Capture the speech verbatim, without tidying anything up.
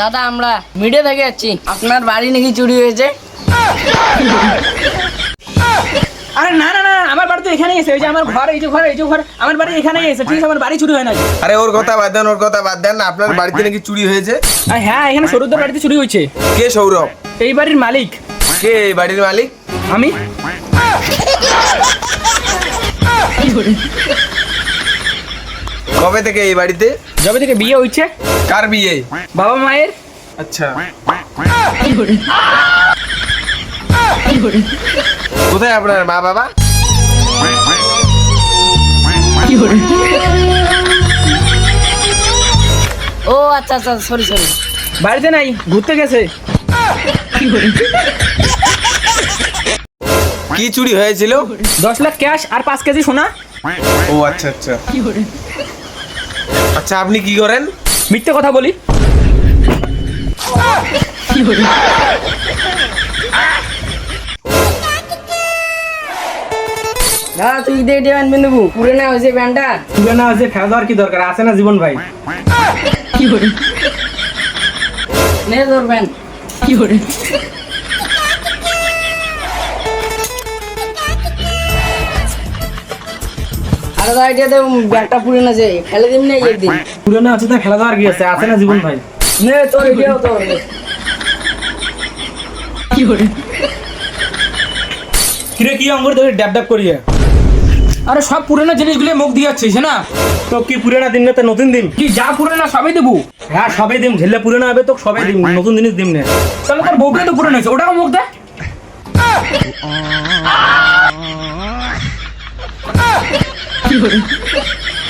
দাদা আমরা মিডিয়া থেকে যাচ্ছি, আপনার বাড়ি নাকি চুরি হয়েছে। আরে না না না, আমার বাড়ি তো এখানেই এসে, ওই যে আমার ঘর, এই যে ঘর, এই যে ঘর, আমার বাড়ি এখানেই এসে, ঠিক আছে? আমার বাড়ি চুরি হয় না। আরে ওর কথা বাদ দেন, ওর কথা বাদ দেন, আপনার বাড়িতে নাকি চুরি হয়েছে? আরে হ্যাঁ, এখানে সৌরভদের বাড়িতে চুরি হয়েছে। কে সৌরভ? এই বাড়ির মালিক। কে এই বাড়ির মালিক? আমি। কবে থেকে এই বাড়িতে? যবে থেকে বিয়ে হয়েছে। কার বিয়ে? বাবা মায়ের। আচ্ছা, কোথায় আপনার মা বাবা? ও আচ্ছা আচ্ছা, সরি সরি। বাড়িতে নাই, ঘুরতে গেছে। কি চুরি হয়েছিল? দশ লাখ ক্যাশ আর পাঁচ কেজি সোনা। ও আচ্ছা আচ্ছা আচ্ছা, আপনি কি করেন? মিথ্যে কথা বলি। দাদা তুই দে দে প্যান্ট পিন্ধবু, পুরে না হয়েছে প্যান্টটা। তুলে না আছে, খেলা দেওয়ার কি দরকার আছে না জীবন ভাই? নে তোর প্যান্ট। আরে দাদা এটা তো ব্যাগটা পুরে না, যে ফেলে দিম না একদিন। তুলে না আছে, তা খেলা দেওয়ার কি আছে আছে না জীবন ভাই? নে তোর এটাও তোর। কিরে কি অঙ্গুর তোকে ড্যাব ড্যাব করিয়ে? আরে সব পুরনো জিনিসগুলো মুখ দিয়ে যাচ্ছিস না? তো কি পুরনো দিন না, তো নতুন দিন কি যা পুরনো সবই দেবো? হ্যাঁ সবই দিম, ঝেলে পুরনো হবে তো সবাই দিম, নতুন জিনিস দিম না। তাহলে তোর বউকে তো পুরনো হয়েছে, ওটাও মুখ দে। কি